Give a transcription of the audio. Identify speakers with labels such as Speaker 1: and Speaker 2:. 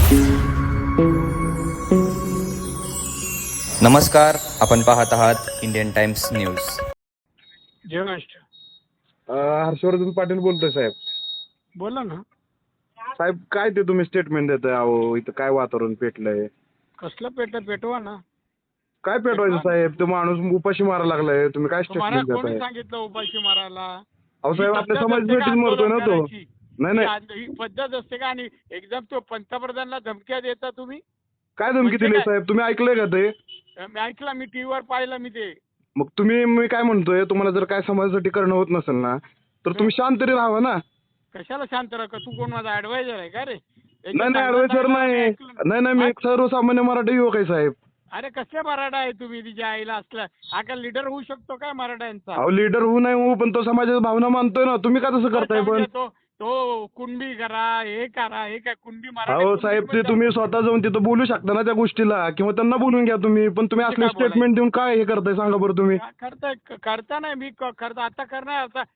Speaker 1: नमस्कार, आपण पाहत आहात इंडियन टाइम्स न्यूज.
Speaker 2: जय महाराष्ट्र.
Speaker 3: हर्षवर्धन पाटील बोलतोय साहेब.
Speaker 2: बोला ना.
Speaker 3: साहेब काय ते तुम्ही स्टेटमेंट देताय? अहो इथं काय वातावरण पेटलंय?
Speaker 2: कसलं पेटवा ना.
Speaker 3: काय पेटवायचं साहेब? तो माणूस उपाशी मारायला लागलाय, तुम्ही काय
Speaker 2: तुम्हाला
Speaker 3: स्टेटमेंट
Speaker 2: कोणी
Speaker 3: देताय?
Speaker 2: सांगितलं उपाशी मारायला?
Speaker 3: अहो साहेब
Speaker 2: ही
Speaker 3: आपल्या
Speaker 2: पद्धत
Speaker 3: समाज
Speaker 2: असते का
Speaker 3: भेटीत मरतोय ना तो.
Speaker 2: आंदोलन करायची?
Speaker 3: नाही
Speaker 2: ही पद्धत असते का? आणि एकदम तो पंतप्रधानांना धमक्या देता तुम्ही?
Speaker 3: काय धमकी
Speaker 2: म्हणजे
Speaker 3: दिली
Speaker 2: काय?
Speaker 3: साहेब? तुम्ही ऐकलंय का ते?
Speaker 2: मी ऐकलं, मी टीव्हीवर पाहिलं मी ते.
Speaker 3: मग मी काय म्हणतोय, तुम्हाला जर काय समाजासाठी करणं होत नसेल ना तर तुम्ही शांत तरी राहावं ना.
Speaker 2: कशाला शांत राहा? तू कोण माझा ऍडवायझर आहे का रे?
Speaker 3: नाही ऍडवायझर नाही. नाही मी एक सर्वसामान्य मराठी युवक आहे साहेब.
Speaker 2: अरे कसले मराठा आहे तुम्ही? तिच्या आईला असला हा काय लीडर होऊ शकतो काय मराठ्यांचा?
Speaker 3: अहो लीडर होऊ नाही होऊ, पण तो समाजाच्या भावना मानतोय ना. तुम्ही का तसं करताय पण?
Speaker 2: तो कुणबी करा, हे करा, हे काय कुणबी मराठी?
Speaker 3: अहो साहेब ते तुम्ही स्वतः जाऊन तिथं बोलू शकता ना त्या गोष्टीला, किंवा त्यांना बोलून घ्या तुम्ही. पण तुम्ही
Speaker 2: म्हणजे
Speaker 3: असले
Speaker 2: काय बोलायचं?
Speaker 3: स्टेटमेंट देऊन काय हे करताय सांगा बरं तुम्ही?
Speaker 2: करता नाही मी करता आता करणार आता